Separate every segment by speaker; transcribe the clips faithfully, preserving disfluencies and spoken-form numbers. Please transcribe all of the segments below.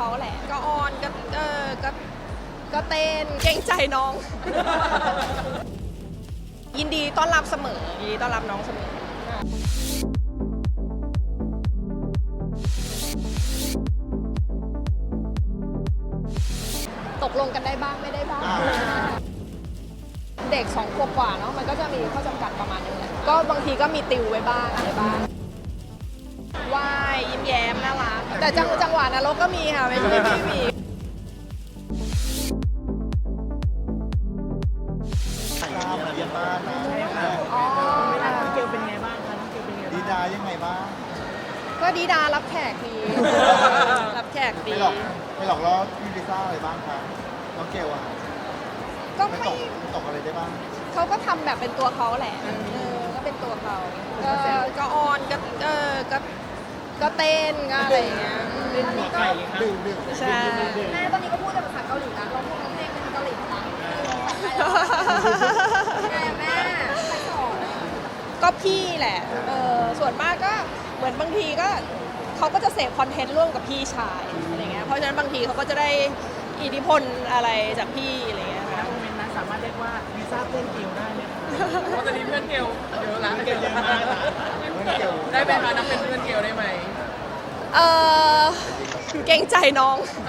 Speaker 1: เขาแหละก็ออนก็เออก็ก็เต้นเกรงใจน้อง ยินดีต้อนรับเสมอยินดีต้อนรับน้องเสมอตกลงกันได้บ้างไม่ได้บ้างเด็กสองขวบกว่าเนาะมันก็จะมีข้อจำกัดประมาณนึงแหละก็บางทีก็มีติวไว้บ้างอะไรบ้างว่ายยิ้มแย้มน่ารักแต่จังจังหวะนรกก็มีค่ะไม่ใช่ไม่มี
Speaker 2: ถ่ายมาเรียนบ้านนะ
Speaker 1: อ๋อ
Speaker 3: น้องเกลเป็นไงบ้างคะน้องเกลเป็นไง
Speaker 2: ดี
Speaker 3: บ้าง
Speaker 2: ดายังไงบ้าง
Speaker 1: ก็ดีดารับแขกดี รับแขกดี
Speaker 2: ไม่หลอกไม่หลอกล้อพี่ลิซ่าอะไรบ้างคะน้องเกลอะ
Speaker 1: ก็
Speaker 2: ไม่
Speaker 1: ไม่
Speaker 2: ตกตกอะไรได้บ้าง
Speaker 1: เขาก็ทำแบบเป็นตัวเขาแหละเออก็เป็นตัวเขาก็ก็ออนก็เออก็ก็เต้นก็อะไรอย่างเงี้ย
Speaker 3: เป็นหัวไก่เลยครับ
Speaker 2: ดื่มดื่ม
Speaker 1: ใช่
Speaker 4: แม่ตอนนี้ก็พูดแต่ภาษาเกาหลีนะเราพูดเพลงเป็นเกาหลีทั้งนั้นแม่แม่ใครสอน
Speaker 1: ก็พี่แหละเออส่วนมากก็เหมือนบางทีก็เขาก็จะเสพคอนเทนต์ร่วมกับพี่ชายอะไรเงี้ยเพราะฉะนั้นบางทีเขาก็จะได้อิทธิพลอะไรจากพี่อะไรเงี้ย
Speaker 3: ณโมเมนต์นั้นสามารถเรียกว่าลิซ่าเต้นเกลได้ไหมคะ
Speaker 5: เพราะตอนนี้เพื่อนเกลเยอะละ
Speaker 3: เกลเยอะมาก
Speaker 2: เพื่อนเกล
Speaker 5: ได้ไหมคะนับเป็นเพื่อนเกลได้ไหม
Speaker 1: เออเกรงใจน้อง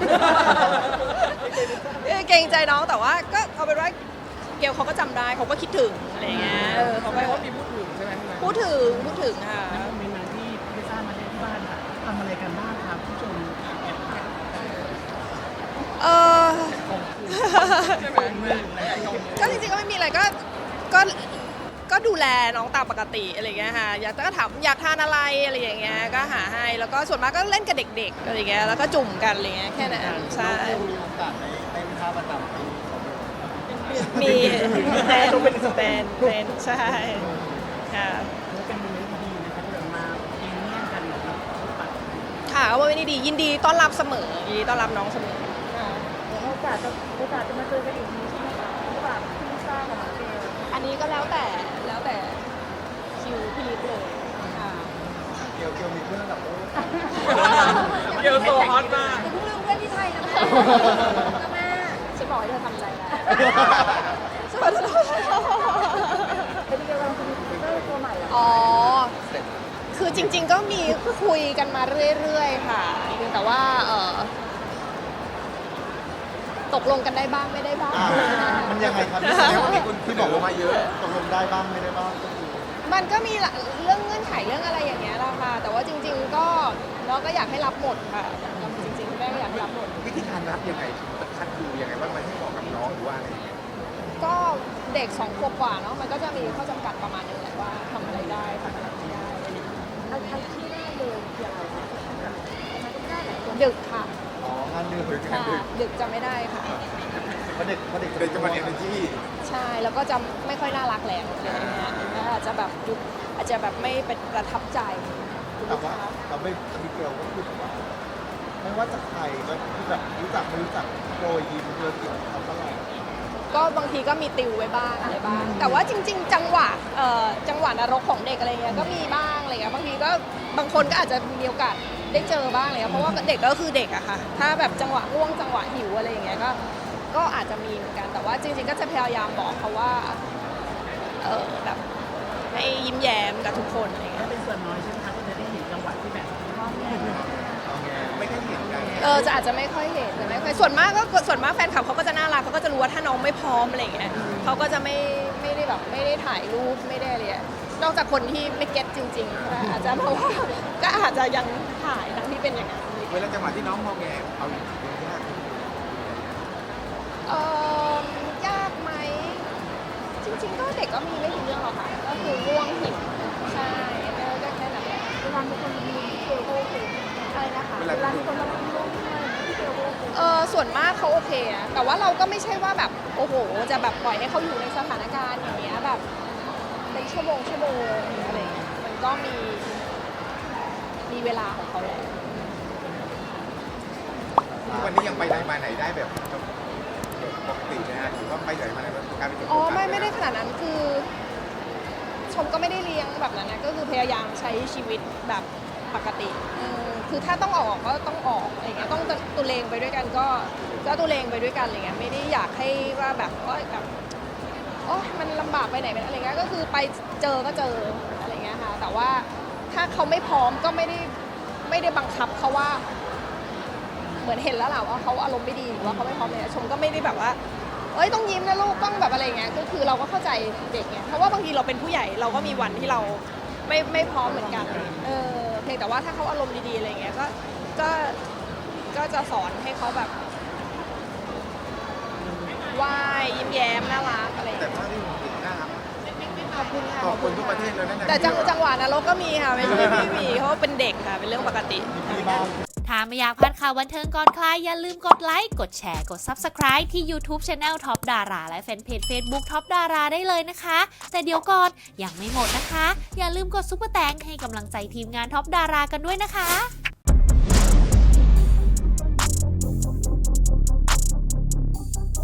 Speaker 1: เกรงใจน้องแต่ว่าก็เอาเป็นว่าเกลเขาก็จำได้เขาก็คิดถึงอะไรเงี้ยเออเขา
Speaker 5: แป
Speaker 1: ก็
Speaker 5: ลว่ามีพูดถึงใช่ไหมพี่แม่
Speaker 1: พูดถึงพูดถึงค่ะ
Speaker 3: ณโมเมนต์นั้นที่ลิซ่ามาเล่นที่บ้านค่ะทำอะไรกันบ้างครับผู้ชมแอบถาม
Speaker 1: เออ
Speaker 5: ใช่ไหมแม่
Speaker 1: ก็จริงๆก็ไม่มีอะไรก็ก็ก็ดูแลน้องตามปกติอะไรเงี้ยค่ะอยากก็ถามอยากทานอะไรอะไรอย่างเงี้ยก็หาให้แล้วก็ส่วนมากก็เล่นกับเด็กๆอะไรเงี้ยแล้วก็จุ่มกันอะไรเงี้ยแค่นั้นใช่
Speaker 2: น้องเกลมีโอกาสในในวิชาประจำปีของเรา
Speaker 1: มีเต้นเต้นเต้นใช่ค่ะ
Speaker 3: แล้วเป็นโมเมนต์ดีนะครับเดินมาเองแย่งกันแบบปัด
Speaker 1: ค่ะก็ไม่ได้ดียินดีต้อนรับเสมอยินดีต้อนรับน้องเสมอค่ะ
Speaker 4: โอกาสจะโอกาสจะมาเจอกันอีกทีใช่ไหมคะระหว่างพี่ลิซ่ากับน้องเกล
Speaker 1: อันนี้ก็แล้วแต่แล้วแต่คิวพี่ลิฟเลยค่ะ
Speaker 2: เกลเกลมีเพื่อนระดับโลก
Speaker 5: เกลโซฮอตมาก
Speaker 4: อย่าเพิ่งลืมเพื่อนที่ไทยนะแม่นะแม่
Speaker 1: ฉันบอกให้เธอทำใจแล้ว
Speaker 4: เป็นเกลกำลังจะมีคอมพิวเตอร์ตัวใหม่เหรอ
Speaker 1: อ๋อ คือจริงๆก็มีคุยกันมาเรื่อยๆค่ะเพียงแต่ว่าเออตกลงกันได้บ้างไม่ได้บ้าง
Speaker 2: อ่ามันยังไงครับที่แสดงว่ามีคนที่บอกว่ามาเยอะตกลงได้บ้างไม่ได้บ้างก็คือ
Speaker 1: มันก็มีเรื่องเงื่อนไขเรื่องอะไรอย่างเงี้ยแหละค่ะ แต่ว่าจริง ๆ ก็เราก็อยากให้รับหมดค่ะจริงๆคุณแม่ก็อยากให้รับหมด
Speaker 6: วิธีการรับยังไงคัดดูยังไงว่ามันให้เหมาะกับน้องหรือว่าอะไรอย่างเงี้ย
Speaker 1: ก็เด็กสองขวบกว่าเนาะมันก็จะมีข้อจำกัดประมาณนึงแหละว่าทำอะไรได้ทำอะไรไม่ได้
Speaker 4: อันอันที่ได้เลยคืออะไรคะมันก็ไม่ได้หลายคน
Speaker 1: ดึกค่ะ
Speaker 2: อ๋องานดื่มหรือ
Speaker 1: ค่ะดึกจะไม่ได้ค่ะ
Speaker 2: เพราะเด็กเพราะเด็ก
Speaker 6: เด็กจะมาเรียนในที่
Speaker 1: ใช่แล้วก็จะไม่ค่อยน่ารักแล้วอะไรอย่างเงี้ยแล้วอาจจะแบบยุคอาจจะแบบไม่เป็นประทับใจคุณ
Speaker 2: แต่
Speaker 1: ลูก
Speaker 2: ว่า
Speaker 1: ค้า
Speaker 2: เราไม่มีเกลก็คือแบบว่าไม่ว่าจะใครก็คือแบบรู้จักไม่รู้จักโปรยยิ้มเรือเกี่ยวกับเขาตลอด
Speaker 1: ก็บางทีก็มีติวไว้บ้างอะไรบ้าง แต่ว่าจริง ๆ จังหวะเอ่อจังหวะนรกของเด็กอะไรเงี้ยก็มีบ้างอะไรเงี้ยบางทีก็บางคนก็อาจจะมีโอกาสได้เจอบ้างอะไรเงี้ยเพราะว่าเด็กก็คือเด็กอะค่ะถ้าแบบจังหวะง่วงจังหวะหิวอะไรอย่างเงี้ยก็ก็อาจจะมีเหมือนกันแต่ว่าจริงๆก็จะพยายามบอกเขาว่าเออแบบให้ยิ้มแย้มกับทุกคนอะไรเงี้ย
Speaker 3: เป็นส่วนน้อยใช่ไหมคะที่จะได้เห็นจังหวะที่แบบร้องแย่
Speaker 6: ไม่ค่อยเห็นกัน
Speaker 1: เออจะอาจจะไม่ค่อยเห็นแต่ไม่ค่อยส่วนมากก็ส่วนมากแฟนคลับเขาก็จะน่ารักเขาก็จะรู้ว่าถ้าน้องไม่พร้อมอะไรอย่างเงี้ยเขาก็จะไม่ไม่ได้แบบไม่ได้ถ่ายรูปไม่ได้อะไรอะนอกจากคนที่ไม่เก็ตจริงๆก็อาจจะเพราะว่าก็อาจจะยังถ่ายทั้งที่เป็นอย่างนั้น
Speaker 6: เวลาจังหวะที่น้องมองแงเอาอยู่เป็นยาก
Speaker 1: เออยากไหมจริงๆก็เด็กก็มีไม่กี่เรื่องหรอกค่ะก็คือง่วงหิวใช่ก็ก็แค่นั้นแหละ
Speaker 4: เวลามีคนมาดูพี่เกลก็โอเค
Speaker 1: อะไรนะคะ
Speaker 4: เวลามีคนมาดูร่วมด้วยพี่เกลก็โอเค
Speaker 1: เออส่วนมากเขาโอเคนะแต่ว่าเราก็ไม่ใช่ว่าแบบโอ้โหจะแบบปล่อยให้เขาอยู่ในสถานการณ์อย่างเงี้ยแบบเป็นชั่วโมงชั่วโมงอะไรอย่างเงี้ยมันก็มีมีเวลาของเขาแหละ
Speaker 6: วันนี้ยังไปไหนมาไหนได้แบบปกตินะฮะหรือว่าไปไหนมาไหนการไปเจอ
Speaker 1: อ๋อไม่ไม่ได้ขนาดนั้นคือ ชมก็ไม่ได้เลี้ยงแบบนั้นนะก็คือพยายามใช้ชีวิตแบบปปกติเออคือถ้าต้องออกก็ต้องออกอะไรเงี้ยต้องตุเลงไปด้วยกันก็ก็ตุเลงไปด้วยกันอะไรเงี้ยไม่ได้อยากให้ว่าแบบว่าแบบโอ้มันลำบากไปไหนไปอะไรเงี้ยก็คือไปเจอก็เจออะไรเงี้ยค่ะแต่ว่าถ้าเขาไม่พร้อมก็ไม่ได้ไม่ได้บังคับเขาว่าเหมือนเห็นแล้วแหละว่าเขาอารมณ์ไม่ดีหรือว่าเขาไม่พร้อมเลยชมก็ไม่ได้แบบว่าเอ้ยต้องยิ้มนะลูกต้องแบบอะไรเงี้ยก็คือเราก็เข้าใจเด็กไงเพราะว่าบางทีเราเป็นผู้ใหญ่เราก็มีวันที่เราไม่ไม่พร้อมเหมือนกันเออเพียงแต่ว่าถ้าเขาอารมณ์ดีๆอะไรเงี้ยก็ก็ก็จะสอนให้เขาแบบว่ายยิ้มแย้มน่ารักอะไร
Speaker 6: แต่ภาพที่ผมเห็นน่ารัก
Speaker 1: ขอบคุณค่ะ
Speaker 6: ขอบคุณทุกประเทศเลยนะ
Speaker 1: แต่จังจังหวะนรกก็มีค่ะไม่ใช่ไม่มีเพราะว่าเป็นเด็กค่ะเป็นเรื่องปกติ
Speaker 2: มีบ้าง
Speaker 7: ถ้าไม่อยากพลาดข่าวบันเทิงก่อนใครอย่าลืมกดไลค์ กดแชร์ กด ซับสไครบ์ ที่ YouTube Channel Top Dara และแฟนเพจ Facebook Top Dara ได้เลยนะคะ แต่เดี๋ยวก่อนยังไม่หมดนะคะ อย่าลืมกดซุปเปอร์แตงให้กำลังใจทีมงาน Top Dara กันด้วยนะคะ